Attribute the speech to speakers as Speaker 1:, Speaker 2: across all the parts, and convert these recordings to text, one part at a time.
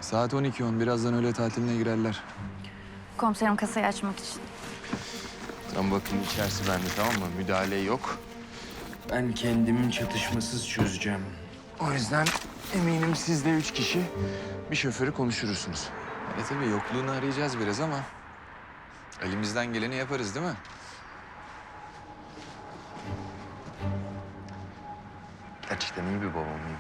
Speaker 1: Saat 12:10. Birazdan öğle tatiline girerler.
Speaker 2: Komiserim kasayı açmak için.
Speaker 3: Tam bakın içerisi bende, tamam mı? Müdahale yok. Ben kendimin çatışmasız çözeceğim. O yüzden eminim siz de 3 kişi bir şoförü konuşursunuz.
Speaker 1: Tabii yokluğunu arayacağız biraz ama elimizden geleni yaparız değil mi?
Speaker 3: Gerçekten iyi bir baba mıyım?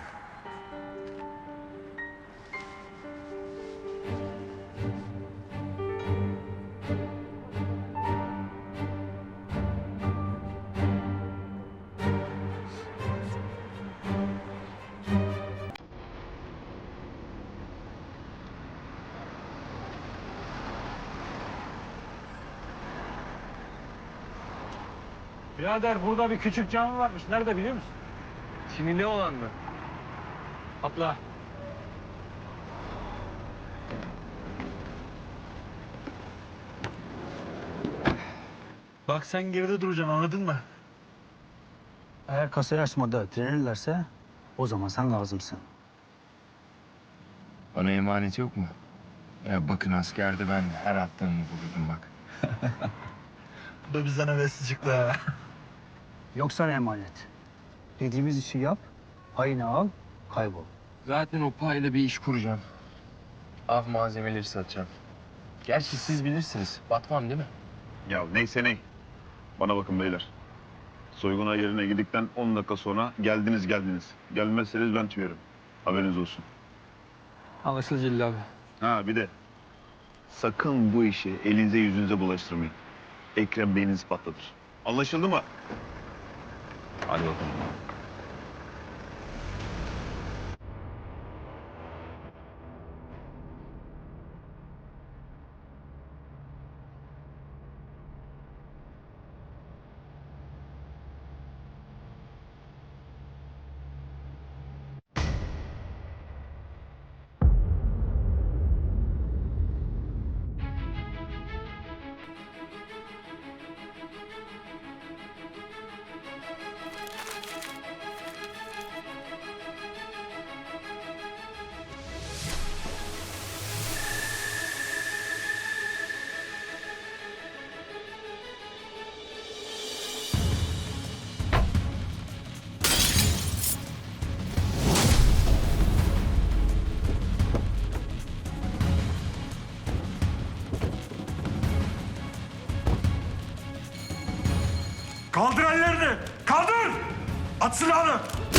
Speaker 4: Birader burada bir küçük cami varmış. Nerede biliyor musun?
Speaker 3: Sinirli olan mı?
Speaker 4: Atla. Bak sen geride duracaksın, anladın mı?
Speaker 5: Eğer kasayı açmada direnirlerse o zaman sen lazımsın.
Speaker 3: Bana emanet yok mu? Ya bakın askerde ben her attığımı vururdum bak.
Speaker 4: Bu da bizden hevesli çıktı ha.
Speaker 5: Yoksa ne emanet? Dediğimiz işi yap, payını al, kaybol.
Speaker 3: Zaten o payla bir iş kuracağım. Av malzemeleri satacağım. Gerçi siz bilirsiniz. Batmam değil mi?
Speaker 6: Ya neyse ney. Bana bakın beyler. Soyguna yerine girdikten 10 dakika sonra geldiniz. Gelmezseniz ben tüyerim. Haberiniz olsun.
Speaker 4: Anlaşıldı Celil abi.
Speaker 6: Ha bir de sakın bu işi elinize yüzünüze bulaştırmayın. Ekrem beyninizi patlatır. Anlaşıldı mı? Hadi bakalım.
Speaker 4: Kaldır ellerini! Kaldır! At silahını!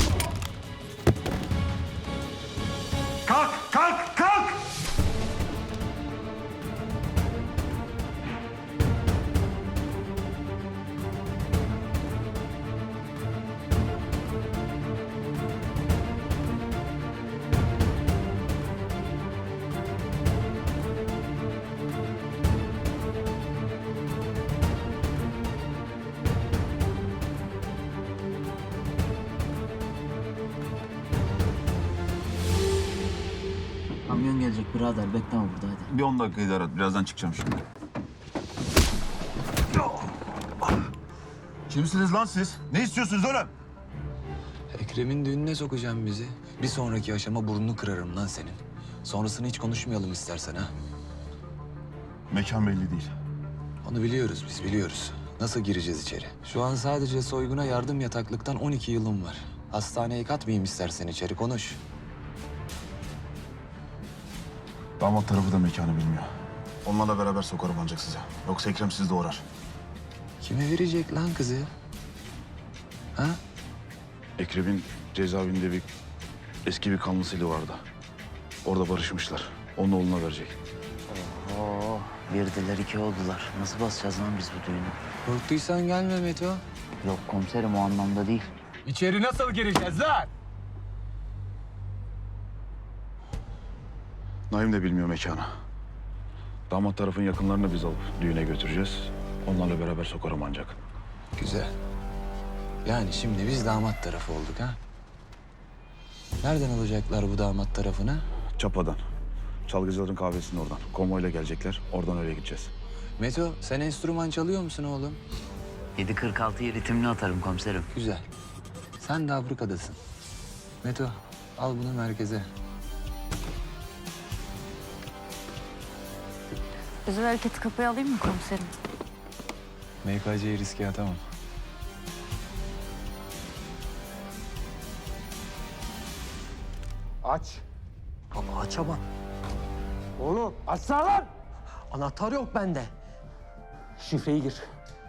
Speaker 4: Kalk! Kalk! Kalk!
Speaker 7: Kamyon gelecek birader, bekleme burada hadi.
Speaker 6: Bir 10 dakika idare et. Birazdan çıkacağım şimdi. Kimsiniz lan siz? Ne istiyorsunuz oğlum?
Speaker 1: Ekrem'in düğününe sokacağım bizi. Bir sonraki aşama burnunu kırarım lan senin. Sonrasını hiç konuşmayalım istersen ha.
Speaker 6: Mekan belli değil.
Speaker 1: Onu biliyoruz biz biliyoruz. Nasıl gireceğiz içeri? Şu an sadece soyguna yardım yataklıktan 12 yılım var. Hastaneye katmayayım istersen içeri konuş.
Speaker 6: Damat tarafı da mekanı bilmiyor. Onlarla beraber sokarım ancak size. Yoksa Ekrem sizi doğrar.
Speaker 1: Kime verecek lan kızı? Ha?
Speaker 6: Ekrem'in cezaevinde eski bir kanlısıyla vardı. Orada barışmışlar. Onun oğluna verecek.
Speaker 7: Oo, birdiler iki oldular. Nasıl basacağız lan biz bu düğünü?
Speaker 1: Korktuysan gelme Meto.
Speaker 7: Yok komiserim, o anlamda değil.
Speaker 1: İçeri nasıl gireceğiz lan?
Speaker 6: Naim de bilmiyor mekanı. Damat tarafın yakınlarını biz alıp düğüne götüreceğiz. Onlarla beraber sokarım ancak.
Speaker 1: Güzel. Yani şimdi biz damat tarafı olduk ha? Nereden alacaklar bu damat tarafını?
Speaker 6: Çapa'dan. Çalgıcıların kahvesinin oradan. Konvoyla gelecekler. Oradan öyle gideceğiz.
Speaker 1: Meto, sen enstrüman çalıyor musun oğlum?
Speaker 7: 7.46'yı ritimli atarım komiserim.
Speaker 1: Güzel. Sen de Afrika'dasın. Meto, al bunu merkeze.
Speaker 2: Özel hareketi kapıya alayım mı komiserim?
Speaker 1: MKC'yi riske atamam.
Speaker 8: Aç.
Speaker 9: Baba açamam.
Speaker 8: Oğlum açsana lan. Anahtar yok bende. Şifreyi gir.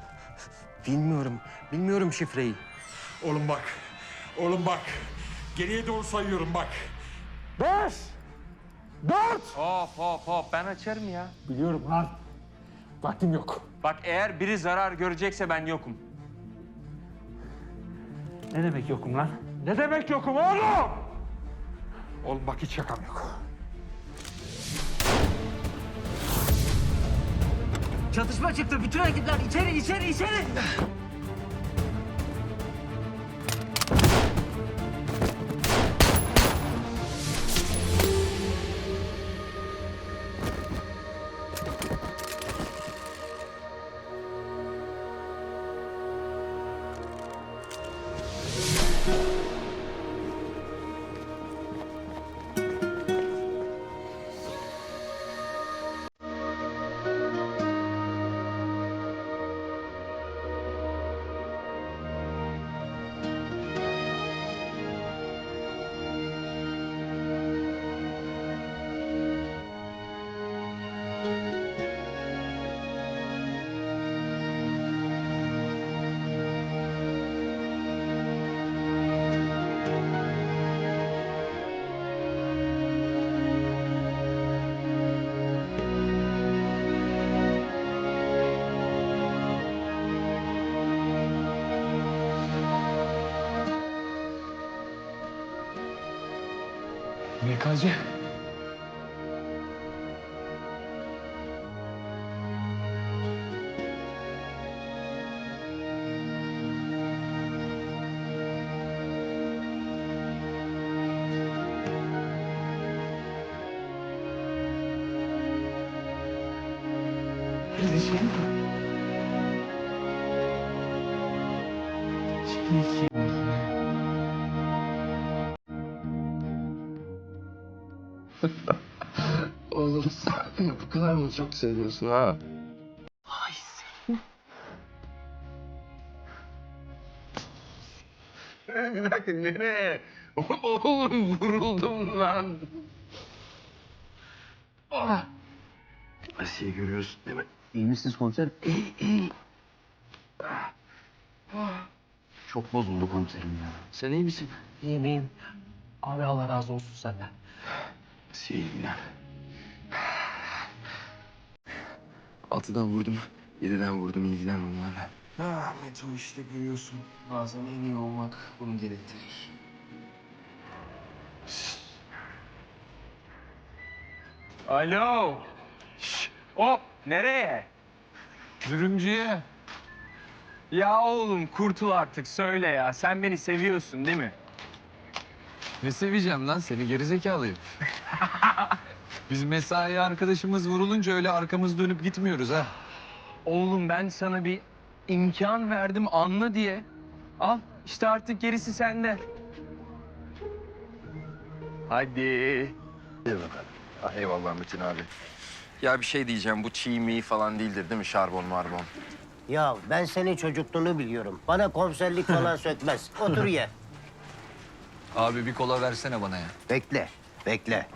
Speaker 8: Bilmiyorum şifreyi.
Speaker 10: Oğlum bak. Oğlum bak. Geriye doğru sayıyorum bak.
Speaker 8: 5, 4.
Speaker 3: Hop ben açarım ya.
Speaker 8: Biliyorum lan. Vaktim yok.
Speaker 3: Bak eğer biri zarar görecekse ben yokum.
Speaker 8: Ne demek yokum lan? Ne demek yokum oğlum? Oğlum bak hiç şakam yok.
Speaker 9: Çatışma çıktı. Bütün ekipler içeri.
Speaker 8: MKC.
Speaker 6: Oğlum sen bu kadar mı çok seviyorsun ha? Bir dakika nereye? Oğlum vuruldum lan. Asiye görüyorsun değil mi?
Speaker 7: İyi misiniz komiserim? Çok bozuldu komiserim ya.
Speaker 6: Sen iyi misin?
Speaker 8: İyiyim. Abi Allah razı olsun senden.
Speaker 6: Asiye ilgilen. 6'dan vurdum, 7'den vurdum ilgilen onlarla.
Speaker 3: Ah Meto işte görüyorsun. Bazen en iyi olmak bunu gerektirir. Alo. Şş, hop nereye? Dürümcüye. Ya oğlum kurtul artık söyle ya. Sen beni seviyorsun değil mi?
Speaker 1: Ne seveceğim lan seni gerizekalıyım. Biz mesai arkadaşımız vurulunca öyle arkamız dönüp gitmiyoruz ha.
Speaker 3: Oğlum ben sana bir imkan verdim anla diye. Al işte artık gerisi sende. Hadi.
Speaker 11: Ah, eyvallah Metin abi. Ya bir şey diyeceğim, bu çiğ mi falan değildir değil mi? Şarbon marbon.
Speaker 9: Ya ben senin çocukluğunu biliyorum. Bana komiserlik falan sökmez. Otur ye.
Speaker 1: Abi bir kola versene bana ya.
Speaker 9: Bekle.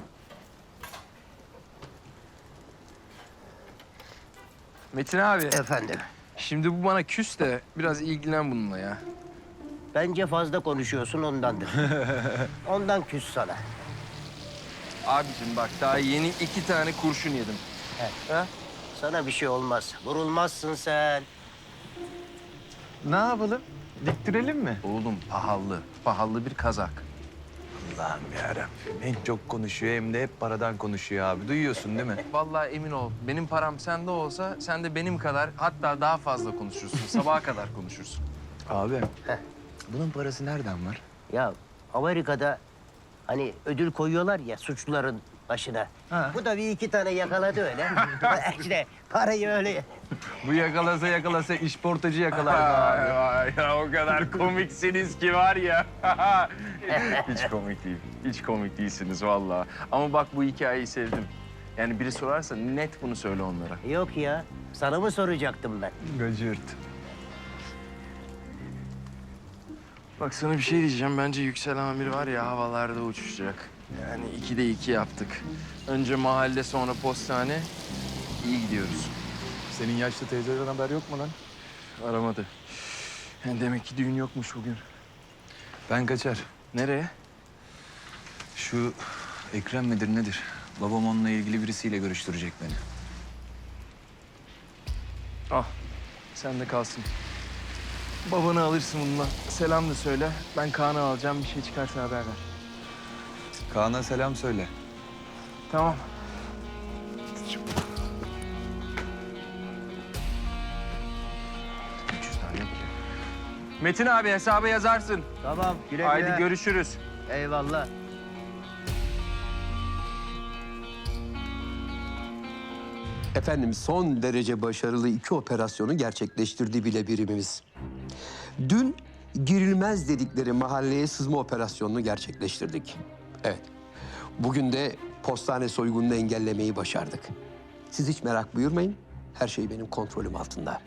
Speaker 3: Metin abi
Speaker 9: Efendim.
Speaker 3: şimdi bu bana küs de biraz ilgilen bununla ya.
Speaker 9: Bence fazla konuşuyorsun ondandır. Ondan küs sana.
Speaker 3: Abicim bak daha yeni 2 tane kurşun yedim.
Speaker 9: Ha? Sana bir şey olmaz. Vurulmazsın sen.
Speaker 1: Ne yapalım? Diktirelim mi?
Speaker 11: Oğlum pahalı bir kazak.
Speaker 1: Allah'ım yarabbim. Hem çok konuşuyor hem de hep paradan konuşuyor abi. Duyuyorsun değil mi?
Speaker 3: Vallahi emin ol benim param sende olsa sen de benim kadar hatta daha fazla konuşursun. Sabaha kadar konuşursun.
Speaker 1: Abi. Bunun parası nereden var?
Speaker 9: Ya Amerika'da hani ödül koyuyorlar ya suçluların başına.
Speaker 1: Ha.
Speaker 9: Bu da bir iki tane yakaladı öyle. İşte parayı öyle.
Speaker 1: Bu yakalasa işportacı yakalar
Speaker 3: Vay vay ya o kadar komiksiniz ki var ya. Hiç komik değil. Hiç komik değilsiniz vallahi. Ama bak bu hikayeyi sevdim. Yani biri sorarsa net bunu söyle onlara.
Speaker 9: Yok ya. Sana mı soracaktım ben?
Speaker 3: Gıcırt. Bak sana bir şey diyeceğim. Bence Yüksel Amir var ya havalarda uçuşacak. Yani 2'de 2 yaptık. Önce mahalle sonra postane. İyi gidiyoruz.
Speaker 1: Senin yaşlı teyzeden haber yok mu lan?
Speaker 3: Aramadı. Yani demek ki düğün yokmuş bugün.
Speaker 1: Ben kaçar.
Speaker 3: Nereye?
Speaker 1: Şu Ekrem midir nedir? Babam onunla ilgili birisiyle görüştürecek beni.
Speaker 3: Al. Sen de kalsın. Babanı alırsın bununla. Selam da söyle. Ben Kaan'ı alacağım. Bir şey çıkarsa haber ver.
Speaker 1: Kaan'a selam söyle.
Speaker 3: Tamam. Metin abi hesabı yazarsın.
Speaker 9: Tamam. Güle
Speaker 3: Haydi
Speaker 9: güle.
Speaker 3: görüşürüz.
Speaker 9: Eyvallah.
Speaker 12: Efendim son derece başarılı 2 operasyonu gerçekleştirdi bile birimimiz. Dün girilmez dedikleri mahalleye sızma operasyonunu gerçekleştirdik. Evet. Bugün de postane soygununu engellemeyi başardık. Siz hiç merak buyurmayın. Her şey benim kontrolüm altında.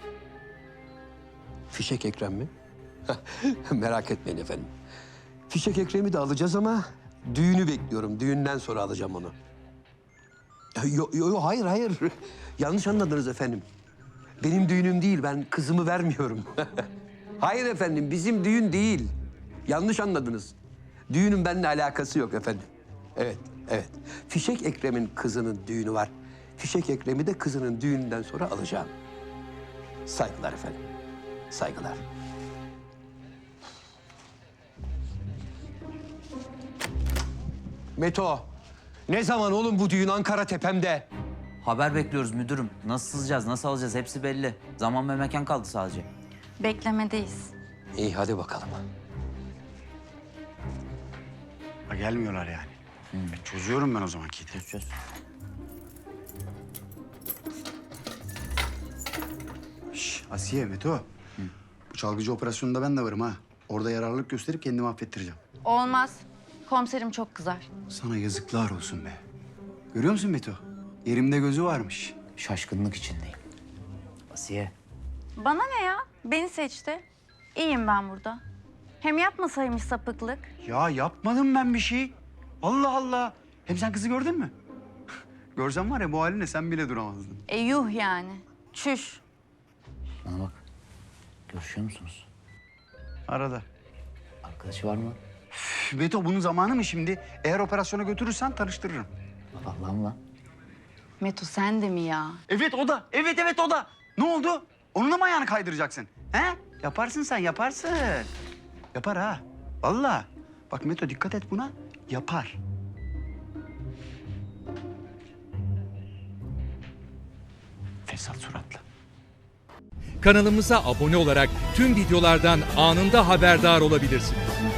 Speaker 12: Fişek Ekrem mi? Merak etmeyin efendim. Fişek Ekrem'i de alacağız ama düğünü bekliyorum. Düğünden sonra alacağım onu. Hayır, hayır. Yanlış anladınız efendim. Benim düğünüm değil, ben kızımı vermiyorum. Hayır efendim, bizim düğün değil. Yanlış anladınız. Düğünün benimle alakası yok efendim. Evet, evet. Fişek Ekrem'in kızının düğünü var. Fişek Ekrem'i de kızının düğününden sonra alacağım. Saygılar efendim, saygılar. Meto, ne zaman oğlum bu düğün Ankara tepemde?
Speaker 7: Haber bekliyoruz müdürüm. Nasıl sızacağız, nasıl alacağız hepsi belli. Zaman ve mekan kaldı sadece.
Speaker 2: Beklemedeyiz.
Speaker 12: İyi hadi bakalım.
Speaker 4: Ha, gelmiyorlar yani. Çözüyorum ben o zaman Kiti.
Speaker 7: Çöz.
Speaker 4: Şş, Asiye, Meto. Bu çalgıcı operasyonunda ben de varım ha. Orada yararlılık gösterip kendimi affettireceğim.
Speaker 2: Olmaz. Komiserim çok kızar.
Speaker 4: Sana yazıklar olsun be. Görüyor musun Meto? Yerimde gözü varmış.
Speaker 7: Şaşkınlık içindeyim. Asiye.
Speaker 2: Bana ne ya? Beni seçti. İyiyim ben burada. Hem yapmasaymış sapıklık.
Speaker 4: Ya yapmadım ben bir şey. Allah Allah. Hem sen kızı gördün mü? Görsen var ya bu haline sen bile duramazdın.
Speaker 2: Yuh yani. Çüş.
Speaker 7: Bana bak. Görüşüyor musunuz?
Speaker 4: Arada.
Speaker 7: Arkadaşı var mı?
Speaker 4: Üf, Beto bunun zamanı mı şimdi? Eğer operasyona götürürsen tanıştırırım.
Speaker 7: Allah'ım lan.
Speaker 2: Meto sen de mi ya?
Speaker 4: Evet o da. Evet o da. Ne oldu? Onunla mı ayağını kaydıracaksın? He? Yaparsın sen yaparsın. Yapar ha. Vallahi. Bak Meto dikkat et buna. Yapar. Fesat suratlı.
Speaker 10: Kanalımıza abone olarak tüm videolardan anında haberdar olabilirsiniz.